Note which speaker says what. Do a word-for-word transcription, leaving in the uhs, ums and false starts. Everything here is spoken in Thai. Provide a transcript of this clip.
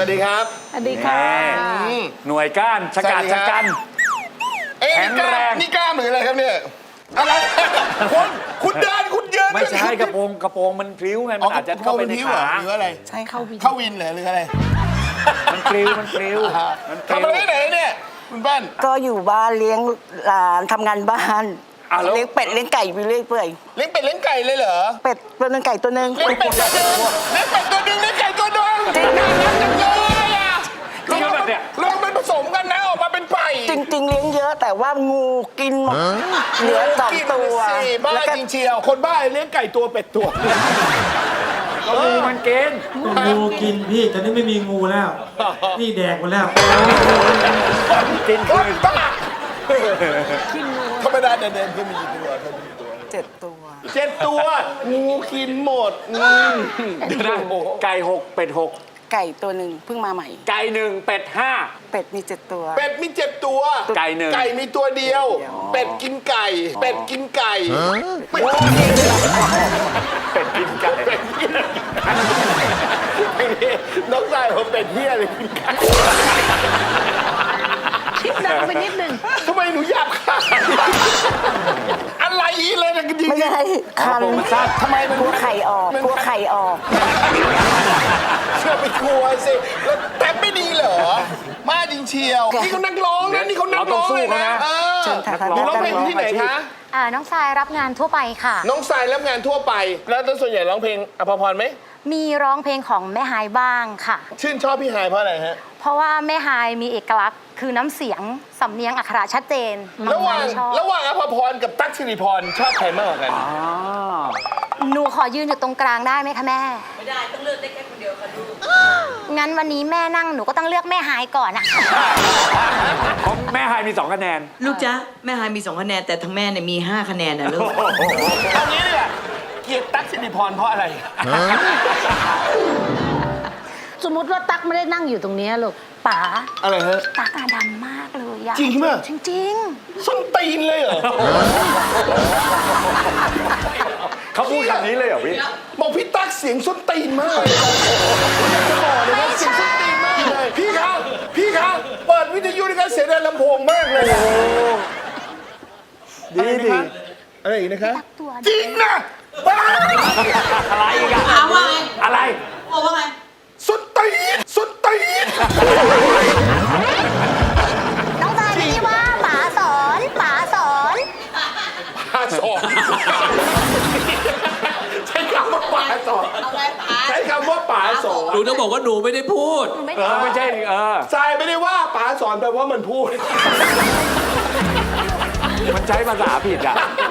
Speaker 1: วัสดีครับ
Speaker 2: สวัสดีค่ะ
Speaker 3: หน่วยก้านชะกัดชะกัน
Speaker 1: เอ๊ะนี่กล้ามนี่กล้ามหรืออะไรครับเนี่ยอะไรคุณคุณเดินคุณเดิน
Speaker 3: ไม่ใช่กระโปรงกระโปรงมันพลิ้วไงมันอาจจะเข้าไปในขา
Speaker 1: หรืออะไร
Speaker 2: ใช่เข้าวิน
Speaker 1: เข้าวินเหรอหรืออะไร
Speaker 3: มันพลิ้วมันพลิ้ว
Speaker 1: ทำอะไรไหนเนี่ยคุณบ้าน
Speaker 4: ก็อยู่บ้านเลี้ยงหลานทำงานบ้านเลี้ยงเป็ดเลี้ยงไก่ไปเรื่อยเปื่อย
Speaker 1: เลี้ยงเป็ดเลี้ยงไก่เลยเหรอ
Speaker 4: เป็ดตัวนึงไก่ตัวนึง
Speaker 1: เลี้ยงเป็ดตัวนึงเลี้ยงเป็ดตัวนึงเลี้ยงไก่ตัวนึงจริงนะจังเลยอ่ะจริงแบบเนี้ยลองมันผสมกันนะออกมาเป็นไก่
Speaker 4: จริงๆเลี้ยงเยอะแต่ว่างูกินหมดเหลือสองตัว
Speaker 1: บ้าจริงเชียวคนบ้าเลี้ยงไก่ตัวเป็ดตัว
Speaker 3: งูมันกิน
Speaker 5: งูกินพี่ตอนนี้ไม่มีงูแล้วนี่แดกหมดแล้ว
Speaker 3: กินคืน
Speaker 1: บ้าธรรมดาเดินๆคือมีกี่ตัว
Speaker 4: เจ็ดตัว
Speaker 1: เจ็ดตัวงูกินหมด
Speaker 3: ไก่หกเป็ดหก
Speaker 4: ไก่ตัวหนึ่งเพิ่งมาใหม่
Speaker 3: ไก่หนึ่งเป็ดห้า
Speaker 4: เป็ดมีเจ็ดตัว
Speaker 1: เป็ดมีเจ็ดตัว
Speaker 3: ไก่หนึ่ง
Speaker 1: ไก่มีตัวเดียวเป็ดกินไก่เป็ดกินไก่เป็ด
Speaker 3: กินไก่
Speaker 1: น้องชายผมเป็ดเหี้ยเลยกินไก่
Speaker 2: คิดดังไปนิดนึง
Speaker 1: ทำไมหนูหยาบคายอะไรอีเลยนะจริง
Speaker 4: ไม่ใช่คัน
Speaker 1: ทำไมมัน
Speaker 4: กลัวไข่ออกกลัวไข่ออก
Speaker 1: เชื่อไปกลัวสิแล้วแต่ไม่ดีเหรอมาจริงเชียวนี่เขานักร้องนะนี่เขานักร้องเลยนะ
Speaker 4: เชิญค่ะ
Speaker 1: หนูร้องเพลงที่ไหนคะ
Speaker 6: อ่าน้องทรายรับงานทั่วไปค่ะ
Speaker 1: น้องทรายรับงานทั่วไปแล้วส่วนใหญ่ร้องเพลงอภพรไหม
Speaker 6: มีร้องเพลงของแม่ฮายบ้างค่ะ
Speaker 1: ชื่นชอบพี่ฮายเพราะอะไรฮะ
Speaker 6: เพราะว่าแม่ฮายมีเอกลักษณ์คือน้ำเสียงสำเนียงอักขระชัดเจน
Speaker 1: ระหว่างระหว่างอภพรกับตั๊กสิริพรชอบใครมากกว่ากัน
Speaker 6: หนูขอยืนอยู่ตรงกลางได้ไหมคะแม่ไม่ได้ต้องเลือกได้แค่คนเดียวค่ะลูกงั้นวันนี้แม่นั่งหนูก็ต้องเลือกแม่ฮายก่อนอะ
Speaker 3: ของแม่ฮายมีสองคะแนน
Speaker 2: ลูกจ๊ะแม่ฮายมีสองคะแนนแต่ทั้งแม่เนี่ยมีห้าคะแนนนะลูก
Speaker 1: เอางี้เลยเกลียดตั๊กสิริพรเพราะอะไร
Speaker 2: สมมติว่าตั๊กไม่ได้นั่งอยู่ตรงนี้ลูกป๋า
Speaker 1: อะไรฮะ
Speaker 6: ตั๊กอะดำมากเลยอะ
Speaker 1: จริงไหม
Speaker 6: จริง
Speaker 1: ๆส้นตีนเลยเหรอ
Speaker 3: เขาพูดคำนี้เลยเหรอพี่
Speaker 1: บอกพี่ตั๊กเสียงส้นตีนมากเลยจะบอกเลยว่าเสียงส้นตีนมากเลยพี่ครับพี่ครับเปิดวิทยุในการเสียงในลำโพงมากเลย
Speaker 3: ดีดี
Speaker 1: อะไรอีกนะคะจริงนะบ้า
Speaker 3: อะไรอีกอะอะไร
Speaker 2: บอกว่าไง
Speaker 1: ส้นตีนส้นตีน
Speaker 6: น้องทรายไม่ได้ว่าป๋าสอนป๋าสอน
Speaker 1: ป๋าสอนใช้คำว่าป๋าสอนใช้คำว่าป๋าสอน
Speaker 5: หนูต้องบอกว่าหนูไม่ได้พูด
Speaker 3: เออไม่ใช่เออ
Speaker 1: ทรายไม่ได้ว่าป๋าสอนแปลว่ามันพูด
Speaker 3: มันใช้ภาษาผิดอ่ะ